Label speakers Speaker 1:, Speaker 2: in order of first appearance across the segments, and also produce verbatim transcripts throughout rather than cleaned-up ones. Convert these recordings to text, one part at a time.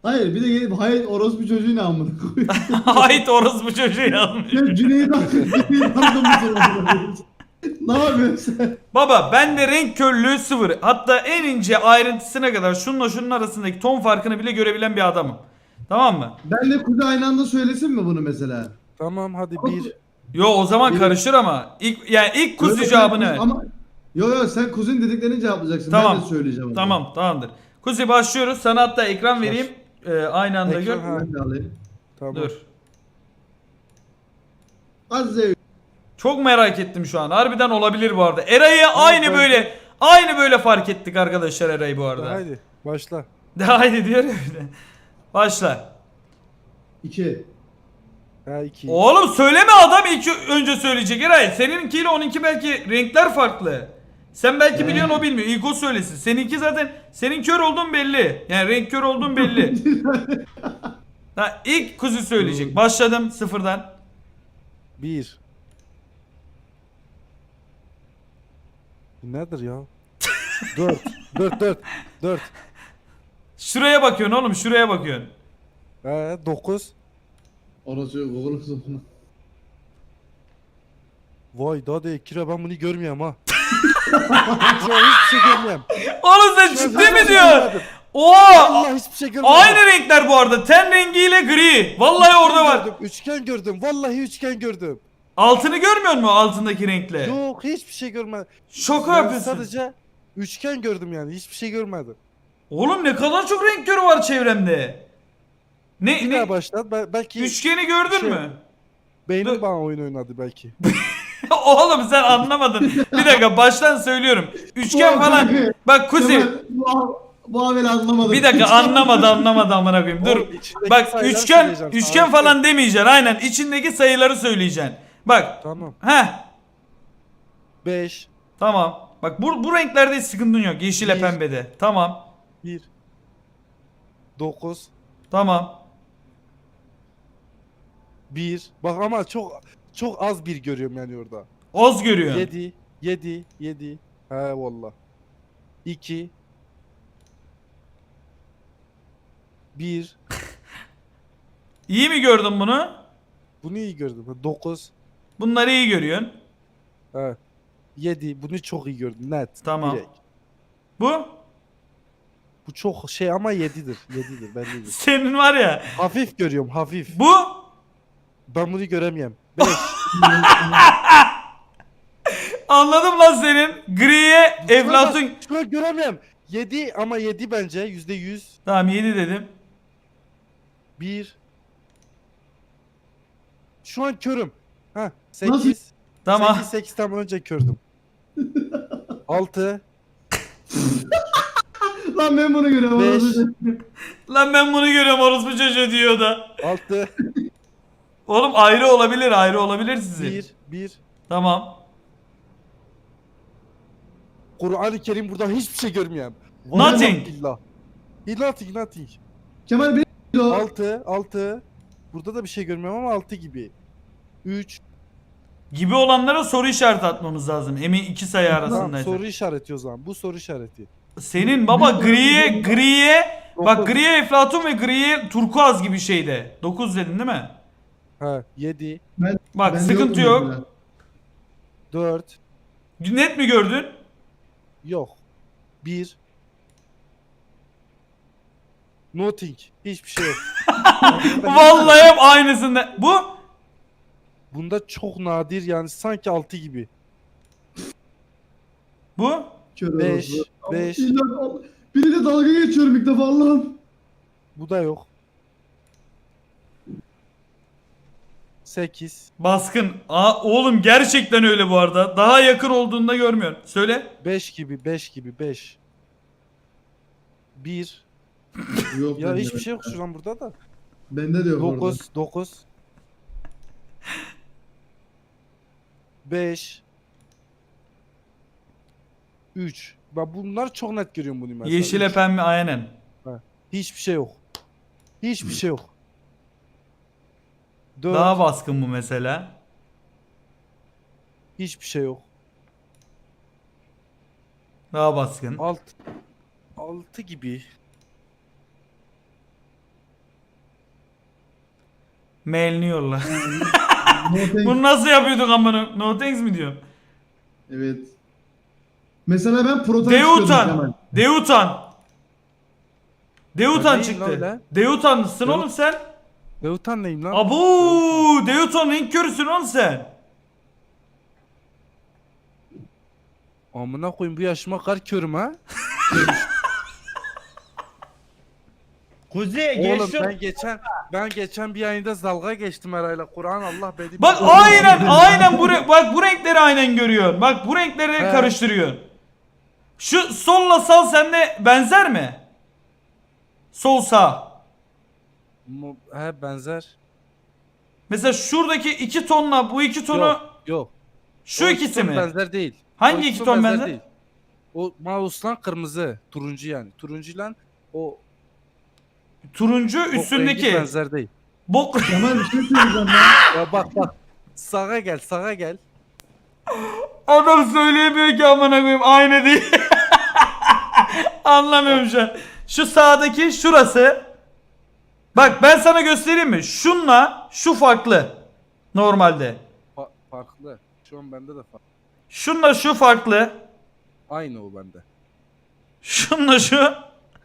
Speaker 1: Hayır bir de gelip hayır orospu çocuğu ne amına koyayım.
Speaker 2: Ait orospu çocuğu yazmış.
Speaker 1: Sen Cüneyt Arkın Cüneyt Arkın mısın amına koyayım? Ne yapıyorsun sen?
Speaker 2: Baba bende renk körlüğü sıfır. Hatta en ince ayrıntısına kadar şununla şunun arasındaki ton farkını bile görebilen bir adamım. Tamam mı?
Speaker 1: Ben de Kuzey aynı anda söylesin mi bunu mesela?
Speaker 3: Tamam hadi
Speaker 1: Ama-
Speaker 3: bir.
Speaker 2: Yo o zaman
Speaker 1: Bir-
Speaker 2: karışır ama. İlk, yani ilk kuzu
Speaker 1: Yok,
Speaker 2: cevabını
Speaker 1: sen-
Speaker 2: ver.
Speaker 1: Ama yo yo sen kuzun dediklerini cevaplayacaksın.
Speaker 2: Tamam.
Speaker 1: Ben de söyleyeceğim. onu.
Speaker 2: Tamam tamamdır. Kuzi başlıyoruz. Sana hatta ekran
Speaker 3: Baş.
Speaker 2: vereyim. Ee, aynı anda
Speaker 3: Ekran,
Speaker 2: gör.
Speaker 3: ha.
Speaker 1: Ben de alayım.
Speaker 3: Tamam.
Speaker 2: Dur.
Speaker 1: Azize
Speaker 2: Çok merak ettim şu an. Harbiden olabilir bu arada. Eray'ı aynı
Speaker 3: ben-
Speaker 2: böyle aynı böyle fark ettik arkadaşlar Eray'ı bu arada.
Speaker 3: Haydi başla.
Speaker 2: De haydi diyor ya bir de. Başla.
Speaker 1: iki.
Speaker 3: Ha iki.
Speaker 2: Oğlum söyleme adam ilk önce söyleyecek Eray. Seninkiyle onunki belki renkler farklı. Sen belki
Speaker 1: Ee?
Speaker 2: biliyorsun o bilmiyor. İlk o söylesin. Seninki zaten senin kör olduğun belli. Yani renk kör olduğun belli. Ha, ilk kuzu söyleyecek. Başladım sıfırdan.
Speaker 3: Bir. Bu nedir ya? Dört. Dört dört. Dört.
Speaker 2: Şuraya bakıyorsun oğlum şuraya bakıyorsun.
Speaker 3: Ee, dokuz.
Speaker 1: Orası yok oğlum sonra.
Speaker 3: Vay daha da kira ben bunu görmüyorum ha. Şu an hiçbir şey görmüyorum.
Speaker 2: Oğlum sen
Speaker 3: Şu an
Speaker 2: ciddi
Speaker 3: hiçbir
Speaker 2: mi
Speaker 3: şey
Speaker 2: diyorsun?
Speaker 3: görmedim.
Speaker 2: Oha!
Speaker 3: Vallahi hiçbir şey görmedim.
Speaker 2: Aynı renkler bu arada. Ten rengiyle gri. Vallahi orada var.
Speaker 3: Gördüm, üçgen gördüm. Vallahi üçgen gördüm.
Speaker 2: Altını görmüyor musun altındaki renkle?
Speaker 3: Yok hiçbir şey görmedim.
Speaker 2: Şaka
Speaker 3: Ben
Speaker 2: yapıyorsun.
Speaker 3: sadece üçgen gördüm yani. Hiçbir şey görmedim.
Speaker 2: Oğlum ne kadar çok renk körü var çevremde. Ne
Speaker 3: Bir
Speaker 2: ne?
Speaker 3: daha başlat. Be- belki
Speaker 2: Üçgeni gördün
Speaker 3: Şey-
Speaker 2: mü?
Speaker 3: beynim
Speaker 2: Dur.
Speaker 3: bana oyun oynadı belki.
Speaker 2: Oğlum sen anlamadın. Bir dakika baştan söylüyorum. Üçgen falan. Bak Kuzi.
Speaker 1: Kemal, Bu, bu haberi anlamadım.
Speaker 2: Bir dakika anlamadı anlamadı amına koyayım. Dur.
Speaker 3: Oğlum, içindeki
Speaker 2: Bak
Speaker 3: sayıları
Speaker 2: üçgen
Speaker 3: söyleyeceğim,
Speaker 2: üçgen
Speaker 3: tarihte.
Speaker 2: falan demeyeceksin. Aynen içindeki sayıları söyleyeceksin. Bak.
Speaker 3: Tamam.
Speaker 2: Heh.
Speaker 3: beş.
Speaker 2: Tamam. Bak bu bu renklerde hiç sıkıntın yok. Yeşile
Speaker 3: Bir.
Speaker 2: pembede. Tamam.
Speaker 3: bir. dokuz.
Speaker 2: Tamam.
Speaker 3: bir. Bak ama çok çok az bir görüyorum yani orada.
Speaker 2: Oz görüyorsun.
Speaker 3: yedi. yedi. yedi. He valla. iki. bir.
Speaker 2: İyi mi gördün bunu?
Speaker 3: Bunu iyi gördüm. dokuz.
Speaker 2: Bunları iyi görüyorsun.
Speaker 3: He. yedi. Bunu çok iyi gördüm. Net.
Speaker 2: Tamam.
Speaker 3: Direkt.
Speaker 2: Bu
Speaker 3: Bu çok şey ama yedidir. yedidir bellidir.
Speaker 2: senin var ya.
Speaker 3: Hafif görüyorum hafif.
Speaker 2: Bu
Speaker 3: Ben bunu göremiyorum. beş.
Speaker 2: anladım lan senin. Griye Eflatun.
Speaker 3: Şu an göremiyorum. yedi ama yedi bence yüzde yüz.
Speaker 2: Tamam yedi dedim.
Speaker 3: bir. Şu an körüm. Ha
Speaker 1: Nasıl?
Speaker 3: sekiz.
Speaker 2: Tamam.
Speaker 3: sekiz sekiz tam önce kördüm. altı.
Speaker 1: Lan ben bunu görüyorum.
Speaker 3: Beş.
Speaker 1: orası.
Speaker 2: Lan ben bunu görüyorum orospu çocuğu diyor da.
Speaker 3: altı.
Speaker 2: Oğlum ayrı olabilir ayrı olabilir sizin.
Speaker 3: bir. bir.
Speaker 2: Tamam.
Speaker 3: Kur'an-ı Kerim buradan hiçbir şey görmüyorum.
Speaker 2: Nothing.
Speaker 3: Billah. Nothing nothing.
Speaker 1: Kemal benim o.
Speaker 3: altı. altı. Burada da bir şey görmüyorum ama altı gibi. üç.
Speaker 2: Gibi olanlara soru işareti atmamız lazım. Emin iki sayı
Speaker 3: Tamam,
Speaker 2: arasındaysa.
Speaker 3: soru işareti o zaman. Bu soru işareti.
Speaker 2: Senin baba griye griye bak
Speaker 3: Dokuz.
Speaker 2: griye Eflatun ve griye turkuaz gibi şeyde. dokuz dedin değil mi?
Speaker 3: Ha yedi.
Speaker 1: Ben,
Speaker 2: Bak
Speaker 1: ben
Speaker 2: sıkıntı
Speaker 1: yokum
Speaker 2: yok.
Speaker 1: mesela.
Speaker 3: dört.
Speaker 2: Net mi gördün?
Speaker 3: Yok. bir. Nothing. Hiçbir şey yok.
Speaker 2: Vallahi hep aynısında. Bu
Speaker 3: Bunda çok nadir yani sanki altı gibi.
Speaker 2: bu
Speaker 1: Kör
Speaker 3: beş.
Speaker 1: orospu. Ama
Speaker 3: beş.
Speaker 1: illa- Biriyle dalga geçiyorum ilk defa Allah'ım.
Speaker 3: Bu da yok. sekiz.
Speaker 2: baskın. Aa, oğlum gerçekten öyle bu arada. Daha yakın olduğunda görmüyorsun. Söyle.
Speaker 3: beş gibi. beş gibi. beş. bir.
Speaker 1: Yok
Speaker 3: Ya
Speaker 1: bende
Speaker 3: hiçbir
Speaker 1: de.
Speaker 3: şey yok şu an burada da.
Speaker 1: Bende de yok orada.
Speaker 3: dokuz. dokuz. beş. üç. Bak bunlar çok net görüyorum bunu mesela.
Speaker 2: Yeşile
Speaker 3: Üç.
Speaker 2: pembe aynen.
Speaker 3: Hiçbir şey yok. Hiçbir şey yok. dört.
Speaker 2: Daha baskın bu mesela.
Speaker 3: Hiçbir şey yok.
Speaker 2: Daha baskın.
Speaker 3: Alt. altı gibi.
Speaker 2: Mailini yolla.
Speaker 1: No thanks.
Speaker 2: Bunu nasıl yapıyorduk amına? No thanks mi diyorsun?
Speaker 1: Evet. Mesela ben proton istiyordum Kemal.
Speaker 2: Deutan. Deutan. Deutan
Speaker 3: Ben neyim lan
Speaker 2: çıktı.
Speaker 3: öyle?
Speaker 2: Deutan'sın
Speaker 3: Deut-
Speaker 2: oğlum sen.
Speaker 3: Deutan neyim lan?
Speaker 2: Abu, Deutan renk körüsün oğlum sen.
Speaker 3: Amına koyayım bu yaşıma kar körüm ha.
Speaker 4: Kuzey
Speaker 3: Oğlum
Speaker 4: geçti.
Speaker 3: ben geçen ben geçen bir ayında dalga geçtim herayla. Kur'an Allah beni.
Speaker 2: Bak aynen aynen bu re- bak bu renkleri aynen görüyorsun. Bak bu renkleri
Speaker 3: He.
Speaker 2: karıştırıyorsun. Şu solla sağ sende benzer mi? Sol sağ.
Speaker 3: Mu- He benzer.
Speaker 2: Mesela şuradaki iki tonla bu iki tonu
Speaker 3: Yok yok.
Speaker 2: şu
Speaker 3: O
Speaker 2: ikisi
Speaker 3: ton
Speaker 2: mi?
Speaker 3: benzer değil.
Speaker 2: Hangi
Speaker 3: O
Speaker 2: iki ton benzer?
Speaker 3: değil. O mouse'lan kırmızı, turuncu yani. Turuncuyla o,
Speaker 2: Turuncu
Speaker 3: o rengi
Speaker 2: üstündeki.
Speaker 3: benzer değil.
Speaker 2: Bok.
Speaker 1: Kemal bir şey söyleyeceğim ya.
Speaker 3: Ya bak bak. Sağa gel, sağa gel.
Speaker 2: Adam söyleyemiyor ki amına koyayım aynı değil. Anlamıyorum şu an. Şu sağdaki şurası. Bak ben sana göstereyim mi? Şunla şu farklı. Normalde.
Speaker 3: Fa- farklı. Şu an bende de farklı.
Speaker 2: Şunla şu farklı.
Speaker 3: Aynı o bende.
Speaker 2: Şunla şu.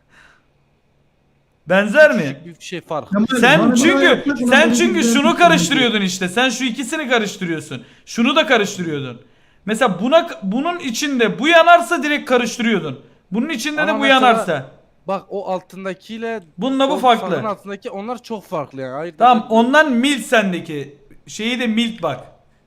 Speaker 2: Benzer mi?
Speaker 3: Küçük bir şey fark.
Speaker 1: Kemal,
Speaker 2: Sen
Speaker 1: bana
Speaker 2: çünkü
Speaker 1: böyle yapacak olan
Speaker 2: sen
Speaker 1: benim
Speaker 2: çünkü
Speaker 1: güzel
Speaker 2: şunu
Speaker 1: bir
Speaker 2: karıştırıyordun işte. Sen şu ikisini karıştırıyorsun. Şunu da karıştırıyordun. Mesela buna bunun içinde bu yanarsa direkt karıştırıyordun. Bunun içinde
Speaker 3: Ama
Speaker 2: de bu
Speaker 3: mesela-
Speaker 2: yanarsa.
Speaker 3: Bak o altındakiyle
Speaker 2: Bununla bu
Speaker 3: o
Speaker 2: farklı.
Speaker 3: sağın altındaki onlar çok farklı yani. Ayırt
Speaker 2: Tamam
Speaker 3: edebiliyorum.
Speaker 2: ondan milt sendeki. Şeyi de milt bak.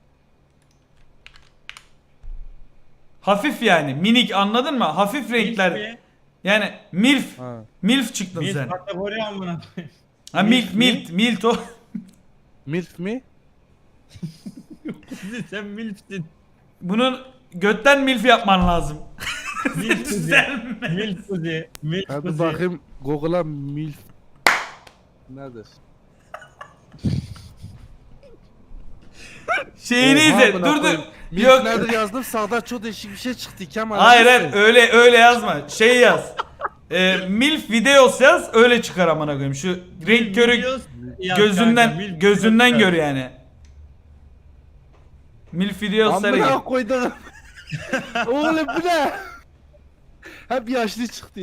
Speaker 2: Hafif yani minik anladın mı? Hafif renkler.
Speaker 4: mi?
Speaker 2: Yani milf.
Speaker 3: Ha.
Speaker 2: Milf çıktın
Speaker 4: Bir
Speaker 2: sen.
Speaker 4: kategori amına.
Speaker 2: Ha milt
Speaker 4: milf mi?
Speaker 2: milt milt o.
Speaker 3: Milf mi?
Speaker 4: Kuzey sen milfsin.
Speaker 2: Bunun götten milf yapman lazım.
Speaker 4: Milf Kuzey.
Speaker 2: Düzelme.
Speaker 4: Milf Kuzey. Milf
Speaker 3: Hadi
Speaker 4: Kuzey.
Speaker 3: bakayım Google'a milf nedir?
Speaker 2: Şeyini
Speaker 3: Oha,
Speaker 2: izle.
Speaker 3: amına
Speaker 2: Dur dur.
Speaker 3: koyayım. Milf
Speaker 2: Yok.
Speaker 3: nedir yazdım sağda çok değişik bir şey çıktı Kemal.
Speaker 2: Hayır
Speaker 3: Hadi
Speaker 2: hayır
Speaker 3: sen.
Speaker 2: öyle öyle yazma. Şey yaz. Ee, milf videos yaz öyle çıkar amına koyayım. Şu renk körü
Speaker 4: Videos yaz
Speaker 2: gözünden
Speaker 4: kanka, milf
Speaker 2: gözünden
Speaker 4: videos
Speaker 2: gör
Speaker 4: yaz.
Speaker 2: yani. Milf videosları
Speaker 3: Amına
Speaker 2: gir.
Speaker 3: koydum. Oğlum bu ne? Hep yaşlı çıktı.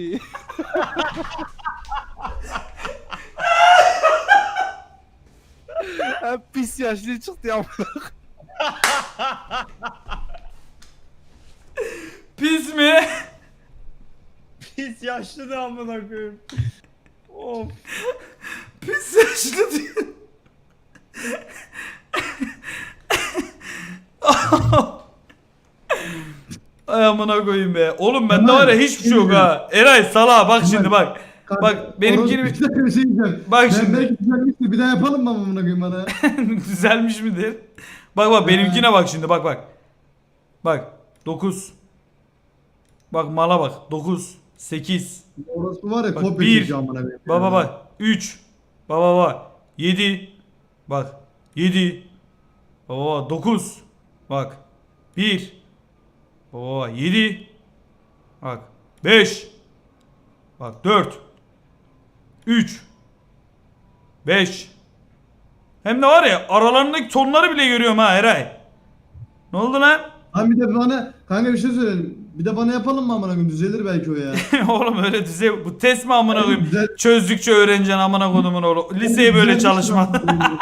Speaker 3: Hep pis yaşlı çıktı ya.
Speaker 2: Pis mi?
Speaker 4: Pis yaşlı da amına koyayım. Of.
Speaker 2: Pis yaşlı diyor. Ay amına koyayım be. Oğlum bende
Speaker 1: Kemal,
Speaker 2: var ya hiçbir şey yok ha. Eray salağa bak
Speaker 1: Kemal,
Speaker 2: şimdi bak.
Speaker 1: Kanka,
Speaker 2: Bak benimkini
Speaker 1: orası bir dakika bir şey diyeceğim.
Speaker 2: Bak
Speaker 1: Ben
Speaker 2: şimdi.
Speaker 1: belki düzelmişti. Bir daha yapalım mı amına koyayım bana?
Speaker 2: düzelmiş midir? Bak bak benimkine bak şimdi bak bak. Bak dokuz. Bak mala bak dokuz, sekiz.
Speaker 1: Orası var ya
Speaker 2: Bak,
Speaker 1: kopya
Speaker 2: bir.
Speaker 1: çekiyor amına koyayım.
Speaker 2: Baba bak üç. Baba bak yedi. Bak yedi. Baba bak dokuz. Bak bir. Baba bak yedi. Bak beş. Bak dört. üç. beş. Hem de var ya aralarındaki tonları bile görüyorum ha Eray. Ne oldu lan?
Speaker 1: Lan bir de bana kanka bir şey söyleyeyim. Bir de bana yapalım mı amına koyayım? Düzelir belki o ya.
Speaker 2: Oğlum öyle düzey bu test mi amına koyayım?
Speaker 1: Güzel.
Speaker 2: Çözdükçe öğreneceksin amına kodumun oğlu. Liseye böyle
Speaker 1: Düzelmiş
Speaker 2: çalışma.
Speaker 1: lan.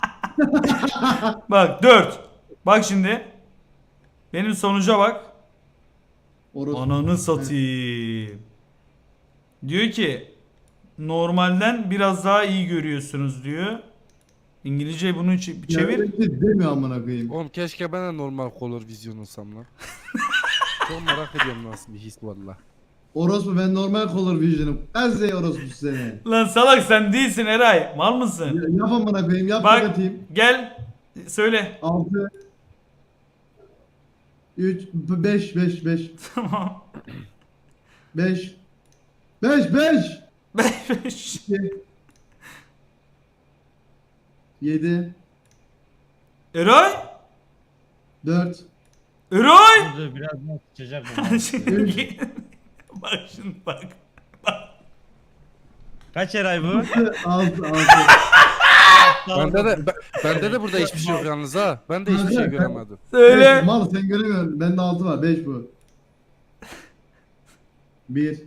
Speaker 2: Bak dört. Bak şimdi. Benim sonuca bak.
Speaker 1: Orası.
Speaker 2: Ananı satayım. Diyor ki normalden biraz daha iyi görüyorsunuz diyor. İngilizce bunu çe- çevir.
Speaker 1: Yani demiyor amına koyayım.
Speaker 3: Oğlum keşke ben de normal color vizyon olsam lan. Çok merak ediyorum nasıl bir his valla.
Speaker 1: Orospu ben normal color vision'ım. Ezze orospu seni.
Speaker 2: Lan salak sen değilsin Eray. Mal mısın?
Speaker 1: Ya, yap amına koyayım yap
Speaker 2: Bak
Speaker 1: bakayım.
Speaker 2: gel söyle.
Speaker 1: altı üç beş beş beş
Speaker 2: Tamam.
Speaker 1: beş beş beş
Speaker 2: Beş.
Speaker 1: yedi
Speaker 2: Eray?
Speaker 1: dört
Speaker 2: Eray?
Speaker 4: Kuzey biraz daha sıçacak bu.
Speaker 2: Şimdi- bak şimdi bak.
Speaker 4: Kaç eray bu?
Speaker 1: altı altı
Speaker 3: Bende de ben- bende de burada hiçbir şey yok yalnız ha. Ben de hiçbir şey göremedim.
Speaker 2: Söyle.
Speaker 1: Mal sen göremiyorsun. Bende altı var. beş bu. bir.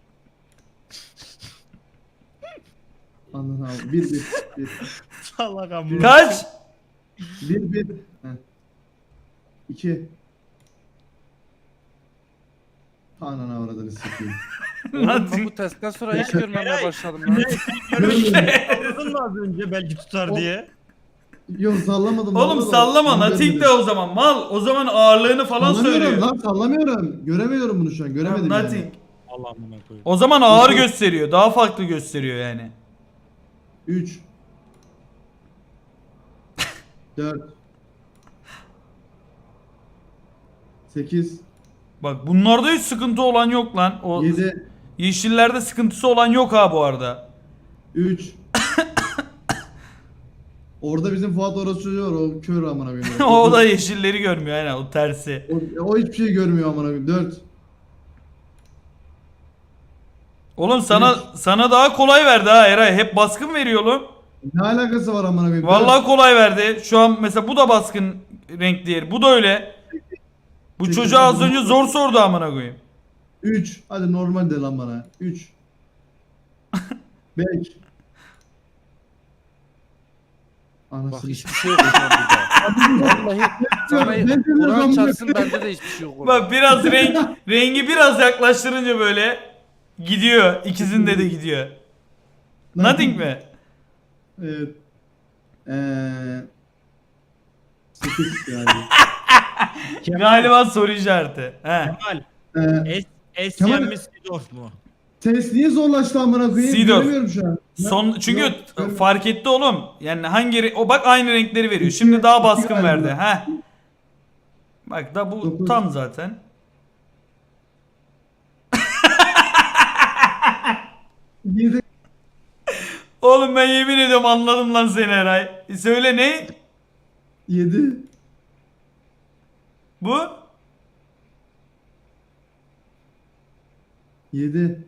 Speaker 1: Anladın abi. bir bir. bir.
Speaker 4: Salak amına.
Speaker 2: Kaç?
Speaker 1: bir bir. iki. Ananı avradını sikeyim.
Speaker 3: Oğlum ben
Speaker 2: Nothing.
Speaker 3: bu testten sonra hiç görmemeye
Speaker 4: Eray,
Speaker 3: başladım lan.
Speaker 4: Anladın mı az önce belki tutar
Speaker 1: O-
Speaker 4: diye?
Speaker 1: Yok sallamadım.
Speaker 2: Oğlum
Speaker 1: vallahi.
Speaker 2: sallama.
Speaker 1: Ben
Speaker 2: Nothing de
Speaker 1: görmedim.
Speaker 2: o zaman. Mal. O zaman ağırlığını falan
Speaker 1: Sallamıyorum
Speaker 2: söylüyor.
Speaker 1: lan sallamıyorum. Göremiyorum bunu şu an. Göremedim
Speaker 2: Tamam,
Speaker 1: yani.
Speaker 2: nothing.
Speaker 4: Allah amına koyayım.
Speaker 2: O zaman ağır
Speaker 1: Yok.
Speaker 2: gösteriyor. Daha farklı gösteriyor yani.
Speaker 1: üç. dört. sekiz.
Speaker 2: Bak bunlarda hiç sıkıntı olan yok lan. O
Speaker 1: yedi.
Speaker 2: yeşillerde sıkıntısı olan yok ha bu arada.
Speaker 1: üç. Orada bizim Fuat orası çocuğu var. O kör amına koyayım.
Speaker 2: O da yeşilleri görmüyor aynen o tersi.
Speaker 1: O, o hiçbir şey görmüyor amına koyayım. dört.
Speaker 2: Oğlum sana sana daha kolay verdi ha Eray. Hep baskın veriyor oğlum.
Speaker 1: Ne alakası var amına koyayım?
Speaker 2: Vallahi kolay verdi. Şu an mesela bu da baskın renk değil. Bu da öyle. Bu
Speaker 1: Sekiz,
Speaker 2: çocuğa az
Speaker 1: dokuz,
Speaker 2: önce zor sordu amına koyayım.
Speaker 1: üç. Hadi normal de lan bana. üç. beş.
Speaker 3: Bak
Speaker 1: Anasını
Speaker 3: hiçbir şey yok hocam burada. Vallahi sana
Speaker 1: Ben de
Speaker 3: Kur'an
Speaker 1: yazdım.
Speaker 3: çarpsın bende de hiçbir şey yok orada.
Speaker 2: Bak biraz renk rengi biraz yaklaştırınca böyle gidiyor. İkisinde de gidiyor. Nothing mi?
Speaker 1: Evet. Eee sekiz yani.
Speaker 2: Galiba soru işareti. He.
Speaker 4: Kemal.
Speaker 1: Eee
Speaker 4: Es, es
Speaker 1: Kemal-
Speaker 4: yenmiş Sidorf mu?
Speaker 1: test niye zorlaştı amına koyayım?
Speaker 2: Seedorf.
Speaker 1: Göremiyorum şu an.
Speaker 2: Son çünkü
Speaker 1: Yok, görmüyorum.
Speaker 2: fark etti oğlum. Yani hangi re- o bak aynı renkleri veriyor. Şimdi daha baskın
Speaker 1: İki
Speaker 2: verdi.
Speaker 1: galiba.
Speaker 2: He. Bak da bu
Speaker 1: Dokuz.
Speaker 2: tam zaten.
Speaker 1: yedi.
Speaker 2: Oğlum ben yemin ediyorum anladım lan seni Eray. E söyle ne?
Speaker 1: yedi.
Speaker 2: Bu?
Speaker 1: yedi.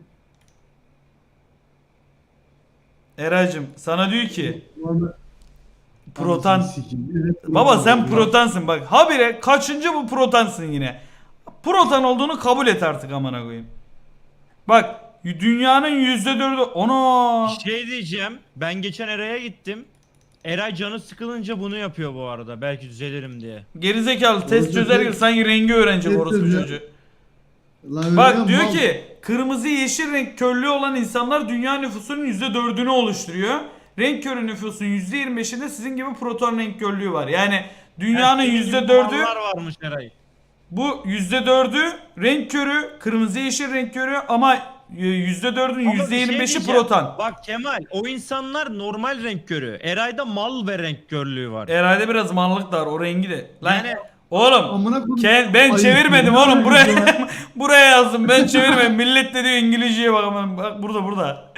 Speaker 2: Eraycığım sana diyor ki
Speaker 1: Vallahi-
Speaker 2: protan.
Speaker 1: Anasını sikeyim. Evet,
Speaker 2: Baba
Speaker 1: protan.
Speaker 2: sen protansın bak. Habire kaçıncı bu protansın yine. Protan olduğunu kabul et artık amına koyayım. Bak dünyanın yüzde dördü ona.
Speaker 4: Şey diyeceğim. Ben geçen Eray'a gittim. Eray canı sıkılınca bunu yapıyor bu arada. Belki düzelirim diye.
Speaker 2: Gerizekalı test
Speaker 1: Orası
Speaker 2: çözer gibi
Speaker 1: değil.
Speaker 2: sanki rengi öğrenecek
Speaker 1: Test
Speaker 2: orospu
Speaker 1: çözüyor.
Speaker 2: çocuğu.
Speaker 1: Lan öyle
Speaker 2: Bak
Speaker 1: ya,
Speaker 2: diyor
Speaker 1: mal.
Speaker 2: ki kırmızı yeşil renk körlüğü olan insanlar dünya nüfusunun yüzde dördünü oluşturuyor. Renk körü nüfusun yüzde yirmi beşinde sizin gibi proton renk körlüğü var. Yani dünyanın
Speaker 4: Senin gibi
Speaker 2: yüzde dördü
Speaker 4: mallar varmış Eray.
Speaker 2: bu yüzde dördü renk körü, kırmızı yeşil renk körü ama yüzde dördün
Speaker 4: Ama
Speaker 2: yüzde
Speaker 4: bir
Speaker 2: yirmi
Speaker 4: şey
Speaker 2: beşi
Speaker 4: diyeceğim.
Speaker 2: proton.
Speaker 4: Bak Kemal, o insanlar normal renk körü. Eray'da mal ve renk körlüğü var.
Speaker 2: Herhalde biraz manlık da var o rengi de. Lan
Speaker 4: Yani-
Speaker 2: oğlum
Speaker 1: Amına koyayım.
Speaker 2: Ke- ben
Speaker 1: Ayıp
Speaker 2: çevirmedim
Speaker 1: ya.
Speaker 2: oğlum buraya buraya yazdım ben çevirmedim. Millet de diyor İngilizceye bak aman bak burada burada.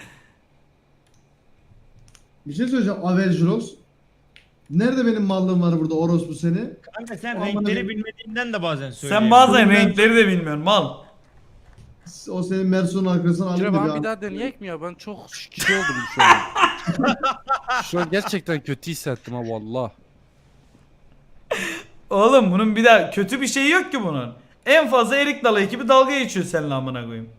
Speaker 1: Bir şey söyleyeceğim. Averjurox. Nerede benim mallığım var burada orospu seni?
Speaker 4: Kanka sen
Speaker 1: Aman
Speaker 4: renkleri
Speaker 1: Allah'ım.
Speaker 4: bilmediğinden de bazen
Speaker 2: Sen
Speaker 4: söyleyemiyorsun.
Speaker 2: bazen
Speaker 1: Ben-
Speaker 2: renkleri de bilmiyorsun mal.
Speaker 1: O senin Mersun'un arkasına aldı
Speaker 3: Kire
Speaker 1: bir
Speaker 3: bana bir
Speaker 1: an.
Speaker 3: daha deneyek mi ya? Ben çok şey oldum şu an. Şu an gerçekten kötü hissettim ha valla.
Speaker 2: Oğlum bunun bir daha kötü bir şeyi yok ki bunun. En fazla erik dalı ekibi dalga geçiyor seninle amına koyayım.